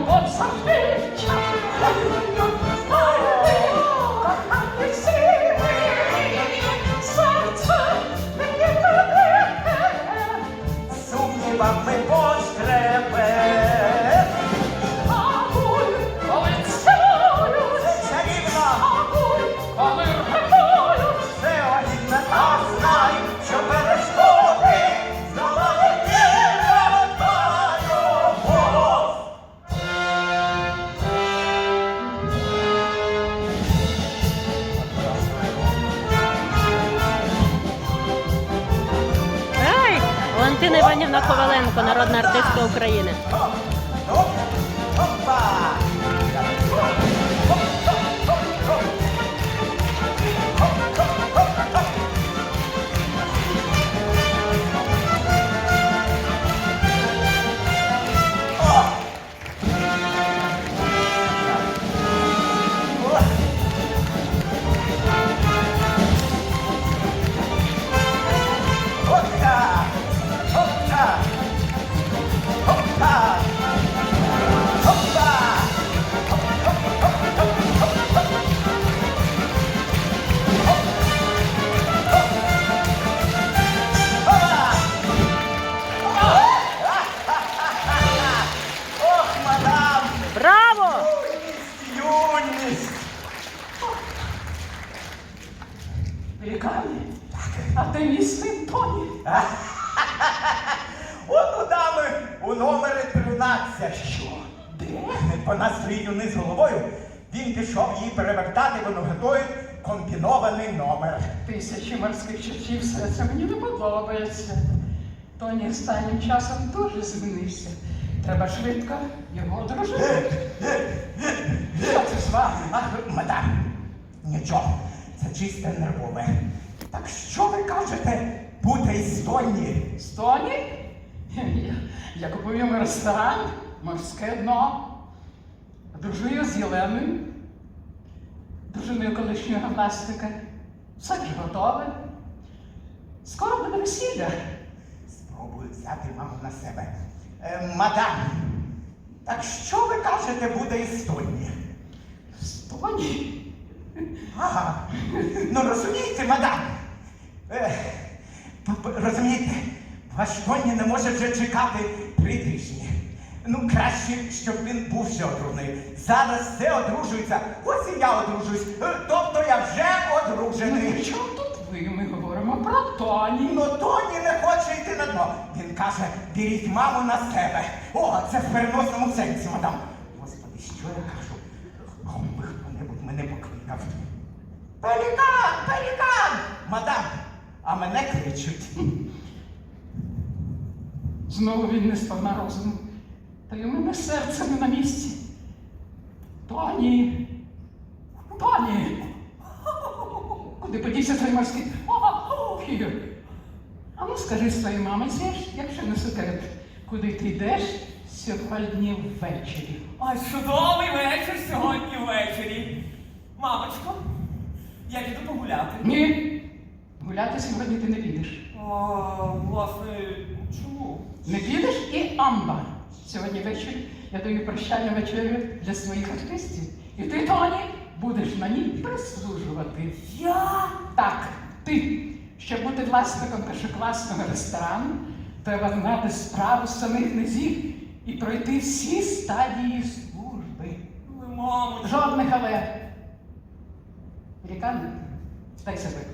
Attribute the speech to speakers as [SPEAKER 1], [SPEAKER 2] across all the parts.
[SPEAKER 1] от завжди чекаю, кохання всі серце мені веде,
[SPEAKER 2] Сумнівами поштребе.
[SPEAKER 1] Агуй, коли цілують,
[SPEAKER 2] Чарівно,
[SPEAKER 1] агуй, коли рятують,
[SPEAKER 2] все огідне, а знай, що перешкоди здолає тільки та любов.
[SPEAKER 3] Ей! Валентина Іванівна Коваленко, народна артистка України.
[SPEAKER 2] Опа! Опа! Опа! Опа! Опа! Ох, мадам!
[SPEAKER 3] Браво!
[SPEAKER 2] Юність!
[SPEAKER 1] Великане, а ти мій син Тоні.
[SPEAKER 2] От у дами у номері 13. Що?
[SPEAKER 1] Де?
[SPEAKER 2] Вона стоїть униз головою. Він пішов її перевертати, воно готує комбінований номер.
[SPEAKER 1] Тисячі морських чертів, все це мені не подобається. Тоні останнім часом дуже змінився. Треба швидко його одружити. Що це з вами?
[SPEAKER 2] Ах, мадам, нічого, це чисте нервове. Так що ви кажете, буде із Тоні?
[SPEAKER 1] З Тоні? Я купую йому ресторан, морське дно. Одружую з Єленою, дружиною колишнього гімнастика. Все вже готове. Скоро буде весілля.
[SPEAKER 2] Спробую взяти маму на себе. Мадам, так що ви кажете, буде із Тоні?
[SPEAKER 1] З Тоні?
[SPEAKER 2] Ага, ну розумієте, мадам, розумієте, ваш Тоні не може вже чекати 3 тижні. Ну, краще, щоб він був ще одружений. Зараз все одружується, ось і я одружуюсь, тобто я вже
[SPEAKER 1] Ну,
[SPEAKER 2] одружений.
[SPEAKER 1] при чому тут ви? Ми говоримо про Тоні.
[SPEAKER 2] Ну, Тоні не хоче йти на дно. Він каже, беріть маму на себе. О, це в переносному сенсі, мадам. Господи, що я кажу? Кому би хто-небудь мене покликав. Пелікан, пелікан! Мадам, а мене кличуть.
[SPEAKER 1] Знову він не сповна розуму. Та й у мене серце не на місці. Тоні! Тоні! Куди подівся цей морський? Ігор! А ну скажи своїй мамиці, якщо не секрет, куди ти йдеш сьогодні ввечері?
[SPEAKER 4] Ой, чудовий вечір сьогодні ввечері. Мамочко, я піду погуляти.
[SPEAKER 1] Ні! Гуляти сьогодні ти не підеш.
[SPEAKER 4] Власне, чому?
[SPEAKER 1] Не підеш і амба. Сьогодні ввечері я даю прощальну вечерю для своїх артистів. І ти, Тоні, будеш на ній прислужувати.
[SPEAKER 4] Я?
[SPEAKER 1] Так, ти. Щоб бути власником першокласного ресторану, треба знати справу з самих низів і пройти всі стадії служби.
[SPEAKER 4] Але, мамочко.
[SPEAKER 1] Жодних але. Великан, дай серветку.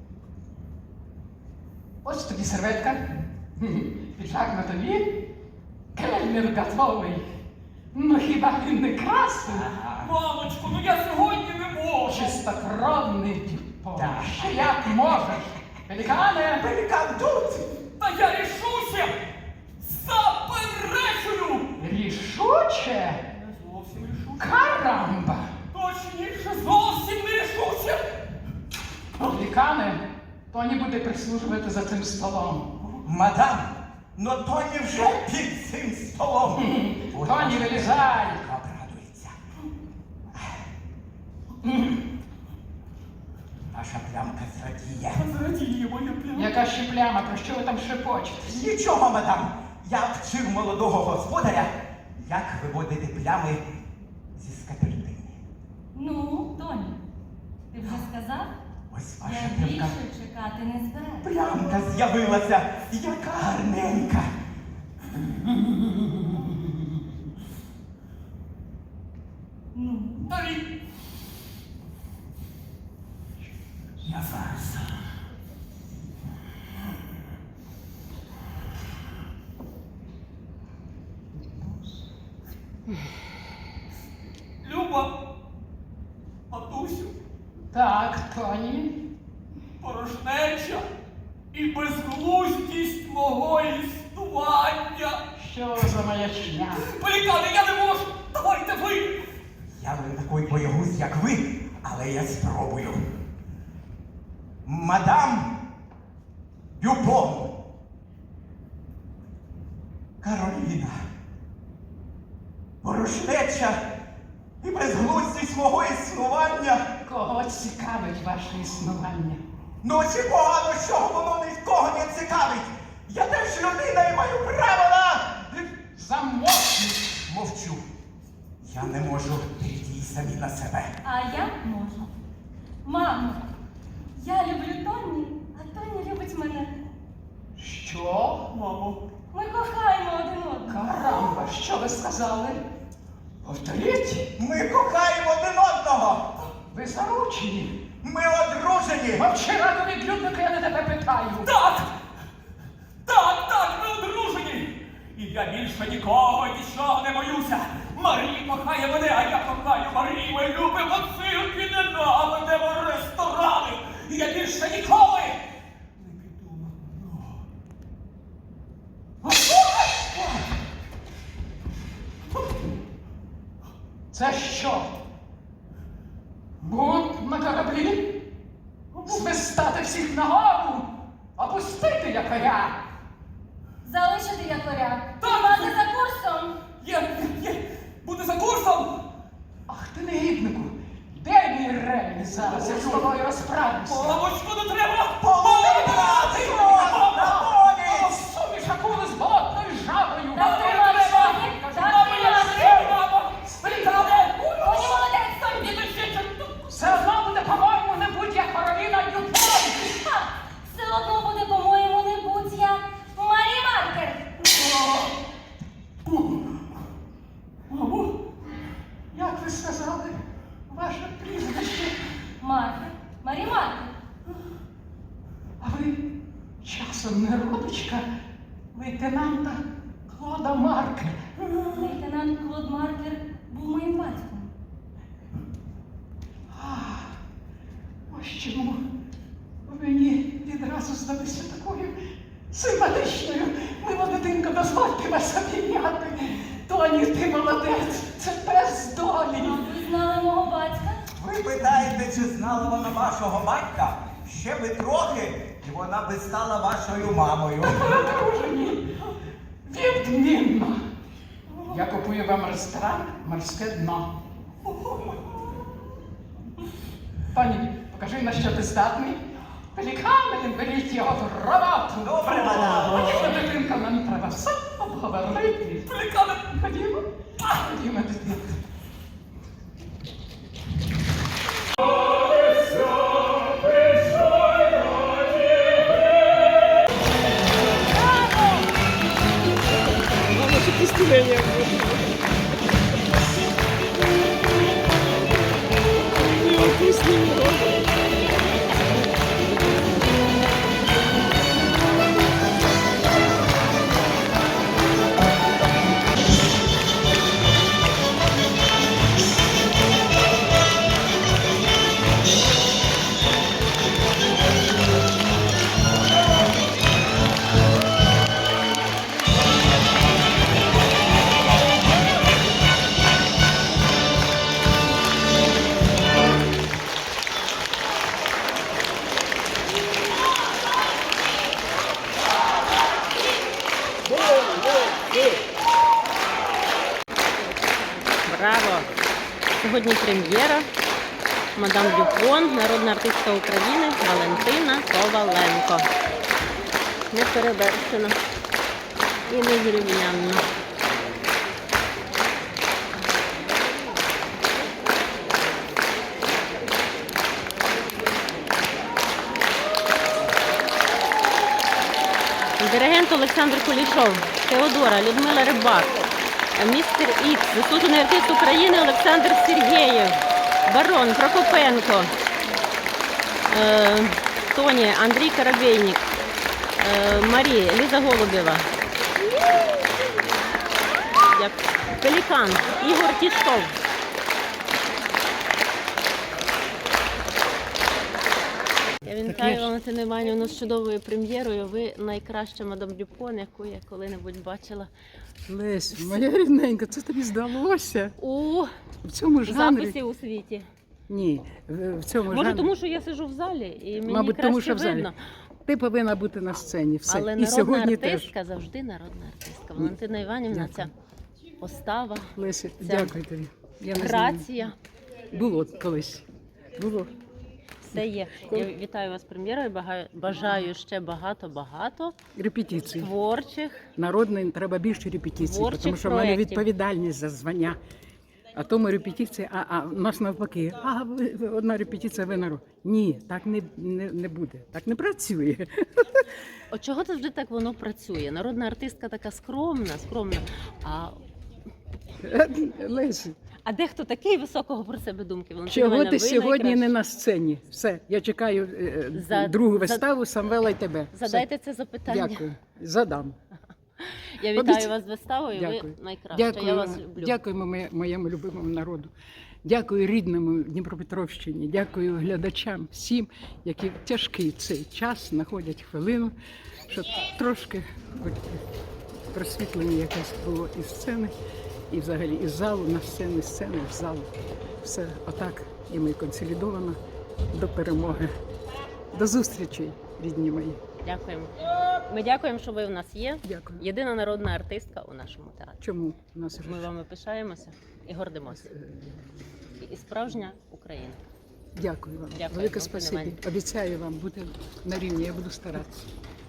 [SPEAKER 1] Ось тобі серветка. Піджак на тобі. Кельнер готовий. Ну хіба він не красний?
[SPEAKER 4] Мамочко, ну я сьогодні не можу.
[SPEAKER 1] Чистокровний діпо.
[SPEAKER 2] Так.
[SPEAKER 1] Ще як можеш. Пелікане!
[SPEAKER 2] Пелікан тут!
[SPEAKER 4] Та я рішуся! Заперечую!
[SPEAKER 1] Рішуче?
[SPEAKER 4] Не зовсім рішуся.
[SPEAKER 1] Карамба!
[SPEAKER 4] Точніше, зовсім не рішуся!
[SPEAKER 1] Пелікане, Тоні буде прислужувати за цим столом.
[SPEAKER 2] Мадам, но Тоні вже під цим столом.
[SPEAKER 1] Тоні, вилізай!
[SPEAKER 2] Обрадується. Ваша плямка зрадіє.
[SPEAKER 4] Зрадіє моя пляма.
[SPEAKER 1] Яка ще пляма, про що ви там шепочете?
[SPEAKER 2] Нічого, мадам. Я вчив молодого господаря, як виводити плями зі скатертини.
[SPEAKER 5] Ну, Тоні, ти вже сказав?
[SPEAKER 2] Ось ваша
[SPEAKER 5] Я
[SPEAKER 2] п'янка.
[SPEAKER 5] більше чекати не збираюся.
[SPEAKER 2] Плямка з'явилася, яка гарненька.
[SPEAKER 5] Ну,
[SPEAKER 4] Торі. Я зараз. Люба, матусю,
[SPEAKER 1] Так, Тоні.
[SPEAKER 4] порожнеча і безглуздість мого існування.
[SPEAKER 1] Що за маячня?
[SPEAKER 4] Пелікани, я не можу! Давайте ви!
[SPEAKER 2] Я не такий боягуз, як ви, але я спробую. Мадам Дюпон. Кароліна. Порожнеча і безглуздість мого існування.
[SPEAKER 1] Кого цікавить ваше існування?
[SPEAKER 2] Ну чи погано, що воно нікого не цікавить? Я теж людина і маю право на...
[SPEAKER 1] Замовкніть!
[SPEAKER 2] Мовчу. Я не можу прийти самі на себе.
[SPEAKER 5] а я можу. Мамо, я люблю Тоні, а Тоні любить мене.
[SPEAKER 1] Що?
[SPEAKER 4] Мамо,
[SPEAKER 5] Ми кохаємо один одного.
[SPEAKER 1] Карамба, що ви сказали? Повторіть,
[SPEAKER 2] Ми кохаємо один одного.
[SPEAKER 1] ви заручені.
[SPEAKER 2] Ми одружені.
[SPEAKER 1] Мовчи, раду відлюдника, я не тебе питаю.
[SPEAKER 4] так! Так, ми одружені! І я більше нікого і нічого не боюся! Марія кохає мене, а я кохаю Марію! Ми любимо цирки, ненавидимо ресторани! І я більше ніколи не піду на дно!
[SPEAKER 1] Це що? Бунт на кораблі? Свистати всіх нагору? Опустити якоря?
[SPEAKER 5] Залишити якоря.
[SPEAKER 4] Так.
[SPEAKER 5] Тримати за курсом.
[SPEAKER 4] Буде за курсом!
[SPEAKER 1] Ах ти негіднику! Де мій ремінь зараз? Я з тобою розправлюся.
[SPEAKER 4] Мамочку, не треба!
[SPEAKER 1] Суміш акули з болотною жабою!
[SPEAKER 5] Так тримай, Тоні, так тримай. Тоні, молодець, Тоні.
[SPEAKER 1] Все одно буде, по-моєму, не будь я Кароліна Дюпон!
[SPEAKER 5] Ха! Все одно буде, по-моєму, не будь я Марі Маркер.
[SPEAKER 4] Мамо,
[SPEAKER 1] Як ви сказали, ваше прізвище?
[SPEAKER 5] Маркер. Марі Маркер.
[SPEAKER 1] А ви часом не родичка лейтенанта Клода Маркера?
[SPEAKER 5] Лейтенант Клод Маркер був моїм батьком.
[SPEAKER 1] Ось чому мені відразу здалися такою симпатичною. Мила дитинка, дозвольте вас обійняти. Тоні, ти молодець, це пес
[SPEAKER 5] А
[SPEAKER 1] долі.
[SPEAKER 5] ви знали мого батька?
[SPEAKER 2] Ви питаєте, чи знала вона вашого батька? Ще би трохи, і вона би стала вашою мамою.
[SPEAKER 1] Одружені. Відмінно. Я купую вам ресторан «Морське дно». Пані, покажи, на що ти здатний. Пелікани, беріть його в роботу.
[SPEAKER 2] Добре, мадам.
[SPEAKER 1] Ходімо, дитинка, нам треба все обговорити.
[SPEAKER 4] пелікани!
[SPEAKER 1] Ходімо. Ходімо, дитинка.
[SPEAKER 3] Браво! Сьогодні прем'єра. Мадам Дюпон, народна артистка України Валентина Коваленко. Неперевершено і незрівнянно. Олександр Кулішов, Теодора, Людмила Рибак, містер Ікс, заслужений артист України Олександр Сергєєв, Барон, Прокопенко, Тоні, Андрій Коробейник, Марія, Ліза Голубєва, Пелікан, Ігор Тішков. Я вітаю Валентину Іванівну з чудовою прем'єрою. Ви найкраща мадам Дюпон, яку я коли-небудь бачила
[SPEAKER 1] Лесь, моя рідненька, це тобі здалося?
[SPEAKER 3] у
[SPEAKER 1] В цьому жанрі?
[SPEAKER 3] записі у світі.
[SPEAKER 1] Ні, в цьому
[SPEAKER 3] Може,
[SPEAKER 1] жанрі.
[SPEAKER 3] тому що я сиджу в залі і мені
[SPEAKER 1] Мабуть,
[SPEAKER 3] краще
[SPEAKER 1] тому що в залі.
[SPEAKER 3] видно.
[SPEAKER 1] Ти повинна бути на сцені, все.
[SPEAKER 3] Але
[SPEAKER 1] І
[SPEAKER 3] народна
[SPEAKER 1] сьогодні
[SPEAKER 3] артистка завжди народна артистка. Валентина Іванівна,
[SPEAKER 1] Дякую.
[SPEAKER 3] ця постава,
[SPEAKER 1] теж. Леся,
[SPEAKER 3] Це
[SPEAKER 1] дякую тобі. Я не знаю.
[SPEAKER 3] грація,
[SPEAKER 1] Було колись. Було.
[SPEAKER 3] все є. Я вітаю вас з прем'єрою, бажаю ще багато-багато
[SPEAKER 1] Репетиції.
[SPEAKER 3] творчих.
[SPEAKER 1] Народний треба більше репетицій,
[SPEAKER 3] Творчих
[SPEAKER 1] тому що в мене
[SPEAKER 3] проєктів.
[SPEAKER 1] відповідальність за звання. А тому репетиції, а у нас навпаки, одна репетиція винару. Ні, так не буде, так не працює.
[SPEAKER 3] От чого завжди так воно працює? Народна артистка така скромна.
[SPEAKER 1] Лесі,
[SPEAKER 3] А дехто такий високого про себе думки? Валентина
[SPEAKER 1] чого
[SPEAKER 3] Іванівна,
[SPEAKER 1] ти
[SPEAKER 3] ви
[SPEAKER 1] сьогодні
[SPEAKER 3] найкраща.
[SPEAKER 1] не на сцені? Все, я чекаю
[SPEAKER 3] За-
[SPEAKER 1] другу
[SPEAKER 3] за-
[SPEAKER 1] виставу Самвела і тебе. Все.
[SPEAKER 3] Задайте це запитання.
[SPEAKER 1] Дякую, задам.
[SPEAKER 3] Я вітаю
[SPEAKER 1] Обіцяю.
[SPEAKER 3] вас з виставою,
[SPEAKER 1] Дякую.
[SPEAKER 3] ви найкраща. Я вас
[SPEAKER 1] Дякую,
[SPEAKER 3] люблю.
[SPEAKER 1] дякуємо моєму любимому народу. Дякую рідному Дніпропетровщині, дякую глядачам, всім, які в тяжкий цей час знаходять хвилину, щоб трошки хоч просвітлення якесь було із сцени, і взагалі із залу на сцену, з сцени в залу. Все отак, і ми консолідовано до перемоги. До зустрічей, рідні мої.
[SPEAKER 3] Дякуємо. Ми дякуємо, що ви у нас є.
[SPEAKER 1] Дякую.
[SPEAKER 3] Єдина народна артистка у нашому театрі.
[SPEAKER 1] Чому у нас вже?
[SPEAKER 3] Ми вами пишаємося і гордимося. І справжня Україна.
[SPEAKER 1] Дякую вам.
[SPEAKER 3] Дякую,
[SPEAKER 1] Велике
[SPEAKER 3] Валентина
[SPEAKER 1] спасибі.
[SPEAKER 3] Іванівна.
[SPEAKER 1] Обіцяю вам бути на рівні, я буду старатися.